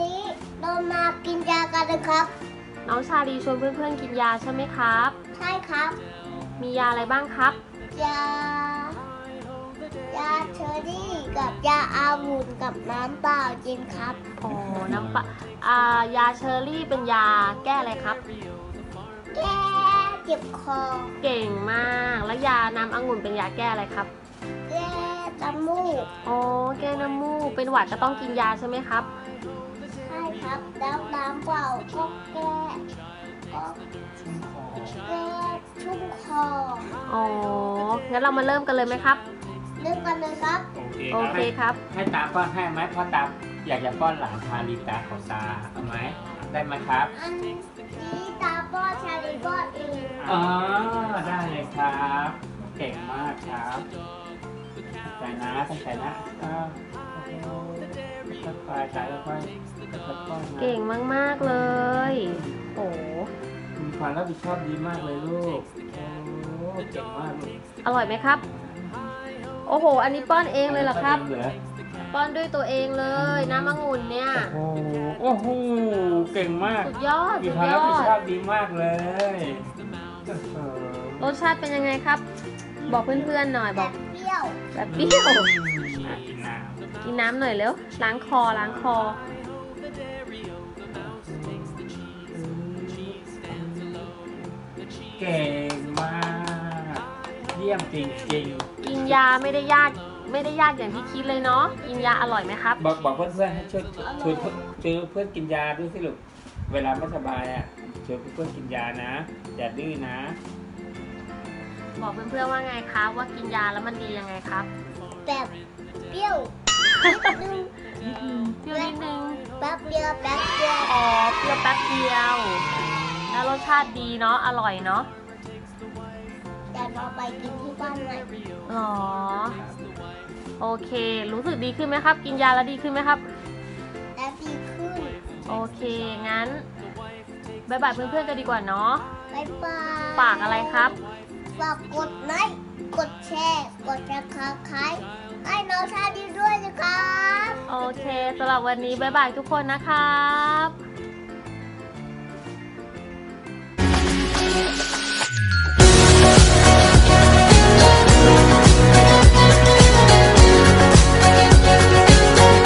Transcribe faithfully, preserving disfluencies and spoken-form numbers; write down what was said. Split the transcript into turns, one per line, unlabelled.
นี้เรามากินยากันนะครับ
น้องชาลีชวนเพื่อนๆกินยาใช่ไหมครับ
ใช่ครับ
มียาอะไรบ้างครับ
ยายาเชอร์รี่กับยาอาวุธกับน้ำเปล่ากินครับ
อ๋อน้ำปะอ่ายาเชอร์รี่เป็นยาแก้อะไรครับ
แก้เจ็บคอ
เก่งมากแล้วยาน้ำองุ่นเป็นยาแก้อะไรครับ
แก้น้ำมูก
อ๋อแก้น้ำมูกเป็นหวัดก็ต้องกินยาใช่ไหมครับ
ใช่ครับแล้วน้ำเปล่าก็แก้ก็แก้ชุ่มคอ
อ๋องั้นเรามาเริ่มกันเลยไหมครับ
เริ่มกันเลยครับ
โอเคครับ
ให้ตาป้อนให้ไหมเพราะตาอยากจะป้อนหลานชาลีตาของตาเอาไหมได้ไหมครับ
อันนี้ตาป้อนชาลีป้อนเอง
อ๋อได้เลยครับเก่งมากครับใจนะตั้งใจนะก็ค่อยๆใจค่อยๆป้อน
เก่งมากๆเลยโอ้
มีความรับผิดชอบดีมากเลยลูกโอ้เก่งมากเลย
อร่อยไหมครับโอ้โหอันนี้ป้อนเองเลยเหรอครับป้อนด้วยตัวเองเลยน้ำองุ่นเนี่ย
โอ้โหโอ้โหเก่งมาก
สุดยอด
มี
สุด
ความ
ย
รับผิด
อ
ชอ
ด
บดีมากเลย
รสชาติเป็นยังไงครับบอกเพื่อนๆหน่อยบอก
เปรี้ยว
แบบเปรี้ยว
กินน้ำ
กินน้ำหน่อยเร็วล้างคอล้างคอ
เก่งมากเยี่ยมจริงๆ
กินยาไม่ได้ยากไม่ได้ยากอย่างที่คิดเลยเนาะกินยาอร่อยไหมครับ
บอกบอกเพื่อนๆให้ช่วยชวนชวนเพื่อนกินยาด้วยสิลูกเวลาไม่สบายอ่ะชวนเพื่อนกินยานะอย่าดื้อนะ
บอกเพื่อนๆว่าไงครับว่ากินยาแล้วมันดียังไงครับ
แบบเปรี้ยวนิดนึง
เปรี้ยวนิดนึง
แป๊บเดียวแป๊บเดียว
อ๋อเปรี้ยวแป๊บเดียวแล้วรสชาติดีเนาะอร่อยเนาะ
แต่เราไปกินที่บ้านไหม
อ๋อโอเครู้สึกดีขึ้นไหมครับกินยาแล้วดีขึ้นไหมครับ
แล้วดีขึ้น
โอเคงั้นบ๊ายบายเพื่อนๆกันดีกว่าเนาะ
บ๊ายบาย
ฝากอะไรครับ
ฝากกดไลค์กดแชร์กดซับสไครบ์ให้น้องชาดีด้วยนะครับ
โอเคสำหรับวันนี้บ๊ายบายทุกคนนะครับ